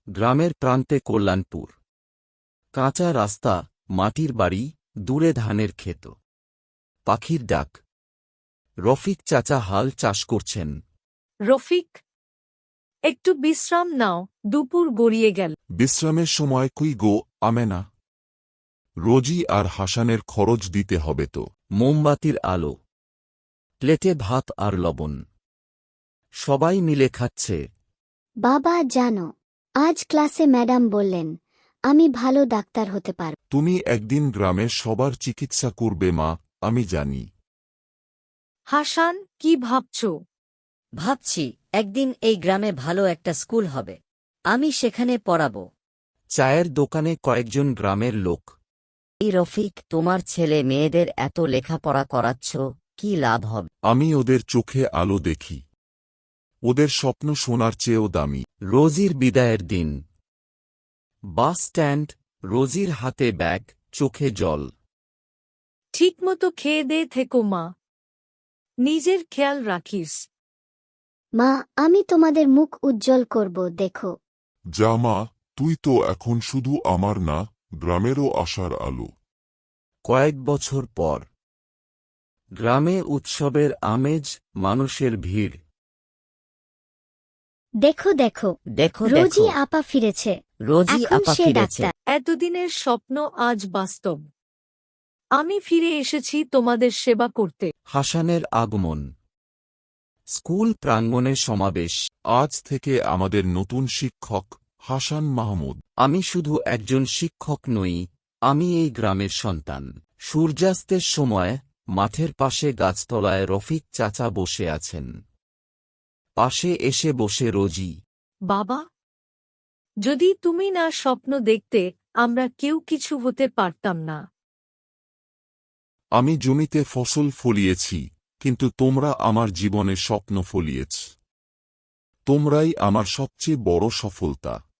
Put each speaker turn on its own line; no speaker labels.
গ্রামের প্রান্তে কল্যাণপুর। কাঁচা রাস্তা, মাটির বাড়ি, দূরে ধানের ক্ষেত। পাখির ডাক। রফিক চাচা হাল চাষ করছেন।
রফিক, একটু বিশ্রাম নাও, দুপুর গড়িয়ে গেল।
বিশ্রামের সময় কুই গো, আমেনা? রোজি আর হাসানের খরচ দিতে হবে তো।
মোমবাতির আলো। প্লেটে ভাত আর লবণ। সবাই মিলে খাচ্ছে।
বাবা জানো, আজ ক্লাসে ম্যাডাম বললেন আমি ভালো ডাক্তার হতে পারব।
তুমি একদিন গ্রামের সবার চিকিৎসা করবে মা, আমি জানি।
হাসান, কি ভাবছ?
ভাবছি একদিন এই গ্রামে ভালো একটা স্কুল হবে, আমি সেখানে পড়াবো।
চায়ের দোকানে কয়েকজন গ্রামের লোক।
এই রফিক, তোমার ছেলে মেয়েদের এত লেখাপড়া করাচ্ছ, কি লাভ হবে?
আমি ওদের চোখে আলো দেখি। ওদের স্বপ্ন সোনার চেয়েও দামি।
রোজির বিদায়ের দিন। বাস স্ট্যান্ড, রোজির হাতে ব্যাগ, চোখে জল।
ঠিকমতো খেয়ে দে থেকো মা, নিজের খেয়াল রাখিস।
মা, আমি তোমাদের মুখ উজ্জ্বল করব, দেখো।
যা মা, তুই তো এখন শুধু আমার না, গ্রামেরও আশার আলো।
কয়েক বছর পর। গ্রামে উৎসবের আমেজ, মানুষের ভিড়।
দেখো দেখো,
দেখো
রোজি
দেখো,
আপা ফিরেছে।
রোজি
এখন
আপা
সে
ফিরেছে।
ডাক্তার।
এতদিনের স্বপ্ন আজ বাস্তব। আমি ফিরে এসেছি তোমাদের সেবা করতে।
হাসানের আগমন। স্কুল প্রাঙ্গণে সমাবেশ।
আজ থেকে আমাদের নতুন শিক্ষক হাসান মাহমুদ।
আমি শুধু একজন শিক্ষক নই, আমি এই গ্রামের সন্তান। সূর্যাস্তের সময় মাঠের পাশে গাছতলায় রফিক চাচা বসে আছেন। পাশে এসে বসে রোজি।
বাবা, যদি তুমি না স্বপ্ন দেখতে, আমরা কেউ কিছু হতে পারতাম না।
আমি জমিতে ফসল ফলিয়েছি, কিন্তু তোমরা আমার জীবনে স্বপ্ন ফলিয়েছ। তোমরাই আমার সবচেয়ে বড় সফলতা।